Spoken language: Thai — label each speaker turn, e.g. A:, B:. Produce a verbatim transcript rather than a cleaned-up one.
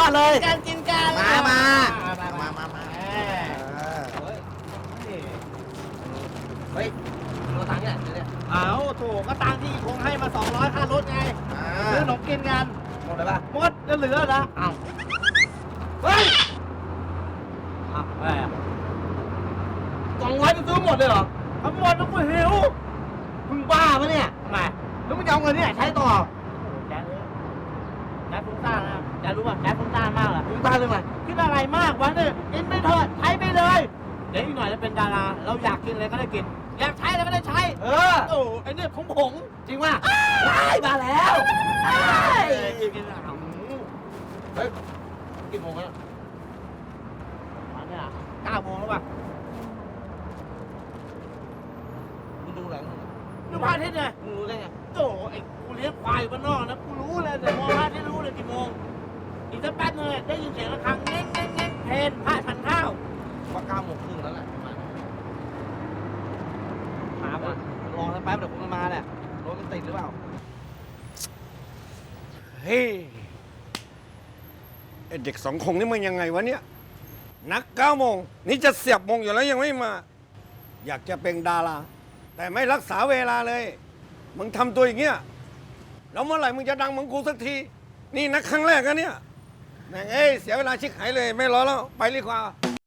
A: เลย
B: การกินกัน
A: มามา
B: มา
A: มา มา มา
B: เฮ้ยเราตังค์เนี่ยเนี่ย
C: เอาถูกก็ตังค์ที่คงให้มาสองร้อยค่ารถไงซื้อขนมกินกัน
B: หมดเลยป่ะ
C: หมดจะเหลือนะ
B: อ้าว
C: เฮ้ยอ้าวแหม
B: สองร้อยจะซื้อหมดเลยเหรอ
C: ทั้งหมดแล้วกูหิว
B: มึงบ้าปะเนี่ย
C: ทำไม
B: แล้วมึงจะเอาเงินที่ไหนใช้ต่อ
C: แจ๊ดเลยแจ๊ดฟุ้งซ่านนะแจ๊ดรู้ป่ะแจ๊ดฟุ้งซ่านมากเลย
B: มึงบ้าเลยไหม
C: คิดอะไรมากวะเนี่ยกินไปเถอะใช้ไปเลย เดี๋ยวอีกหน่อยจะเป็นดารา เราอยากกินอะไรก็ได้กิน อยากใช้อะไรก็ได้ใช้
B: เออ
C: โอ้ไอ้เนี่ยของผม
B: จริงป่ะได้มาแล้วได้
C: กินกินอ่ะ
B: เฮ้ยกี่โมงแล้ว
C: มาเนี่ยเก้าโมงแล้วป่ะ
B: มึงดูหลัง
C: ดูพระอาทิตย์ไง
B: มึงรู้ได้ไง
C: โอ้ไอ้กูเลี้ยงควายอยู่บ้านนอกนะกูรู้เลยแต่มองพระอาทิตย์รู้เลยกี่โมงอีกสักแป๊บนึงได้ยินเสียงระฆังเง้งเง้งเง้งเพนพระฉันข้าว
B: ว่าเก้าโมงครึ่งแล้วแหละประมาณ
C: ถาม
B: อ่ะ
C: อ่ะ
B: รอสักแป๊บเดี๋ยวคงมาแหละรถมันติดหรือเปล่า
D: เฮ้ยไอเด็กสองคงนี่มันยังไงวะเนี่ย นักเก้าโมงนี่จะเสียบโมงอยู่แล้วยังไม่มา อยากจะเป็นดารา แต่ไม่รักษาเวลาเลย มึงทำตัวอย่างเงี้ยแล้วเมื่อไหร่มึงจะดังเหมึงกูสักที นี่นักครั้งแรกนะเนี่ยแม่งเอ้ยเสียเวลาชิกหายเลย ไม่รอแล้ว ไปดีกว่า